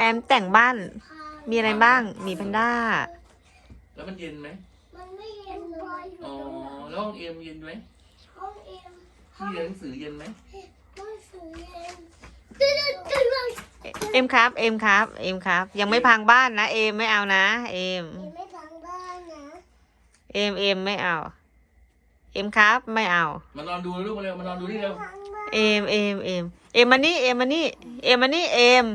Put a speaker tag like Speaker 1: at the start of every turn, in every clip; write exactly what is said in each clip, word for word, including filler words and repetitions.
Speaker 1: มแต่งบ้านมีอะไรบ้างมีแพนด้า
Speaker 2: แล้วมันเย็นไหม
Speaker 3: มันไม่เย็นเลย
Speaker 2: อ๋อแล้วห้องเอ็มเย็นไหม
Speaker 3: ห้องเอ็ม
Speaker 2: ที่เรียนหนังสือเย็นไหม
Speaker 3: ห้องสือเย็นตื่นตื่นเลย
Speaker 1: เอ็มครับเอ็มครับเอ็มครับยังไม่พังบ้านนะเอ็มไม่เอานะเอ็ม
Speaker 3: เอ็มไม่พังบ้านนะ
Speaker 1: เอ็มเอ็มไม่เอาเอ็มครับไม่เอา
Speaker 2: มานอนดูลูกมาเร็วมานอนดูนี่เร็ว
Speaker 3: พังบ้าน
Speaker 1: เอ็มเอ็มเอ็มเอ็มมานี่เอ็มมานี่เอ็มมานี่เอ็ม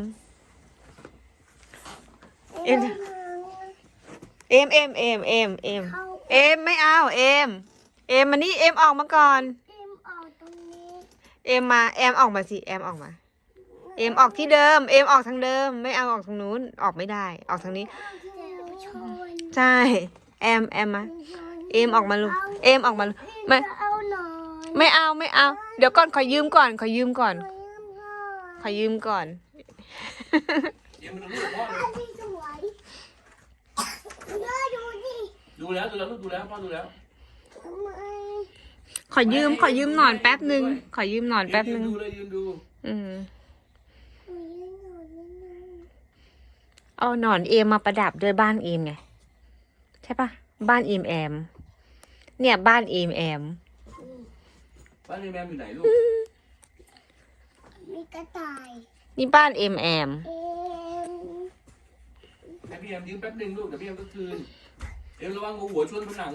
Speaker 1: เอ็มเอ็มเอ็มเอ็มเอ็มเอ็มเอ็มไม่เอาเอ็มเอ็มมานี่เอ็มออกมาก่อน
Speaker 3: เอ็มออกตรงนี้
Speaker 1: เอ็มมาเอ็มออกมาสิเอ็มออกมาเอ็มออกที่เดิมเอ็มออกทางเดิมไม่เอาออกทางนู้นออกไม่ได้ออกทางนี้
Speaker 3: เดี๋ยวชน
Speaker 1: ใช่เอ็มเอ็มมาเอ็มออกมาลูกเอ็มออกมาลูกไม่
Speaker 3: จะเอาหนอน
Speaker 1: ไม่เอาไม่เอา เดี๋ยวก่อนขอยืมก่อนขอยืมก่อน
Speaker 3: ขอยืมก่อน
Speaker 1: ขอยืมก่อน
Speaker 2: เอ็มมาดูลูกพ่อเลย
Speaker 3: อันที่สวยเดี๋ยวดูดิ
Speaker 2: ดูแล้วดูแล้วลูกดูแล้วพ่อดูแล้ว
Speaker 3: ทำไม
Speaker 1: ขอยืมขอยืมหนอนแป๊บหนึ่งขอยืมหนอนแป๊บหนึ่ง
Speaker 2: ยืนดูเลยยืนดู
Speaker 1: อืม
Speaker 3: ขอยืมหนอนนิดนึง
Speaker 1: เอาหนอนเอมมาประดับด้วยบ้านเอมไงใช่ปะบ้านเอมแอมเนี่ยบ้านเอมแอม
Speaker 2: บ้านเอ็มแอมอยู่ไหนลูก
Speaker 3: มีกระต่าย
Speaker 1: นี่บ้านเอมแอม
Speaker 3: เอ็ม
Speaker 2: ให้พี่แอมยืมแป๊บนึงลูกเดี๋ยวพี่แอมก็คืนเอ็มระวังหัวชนผนัง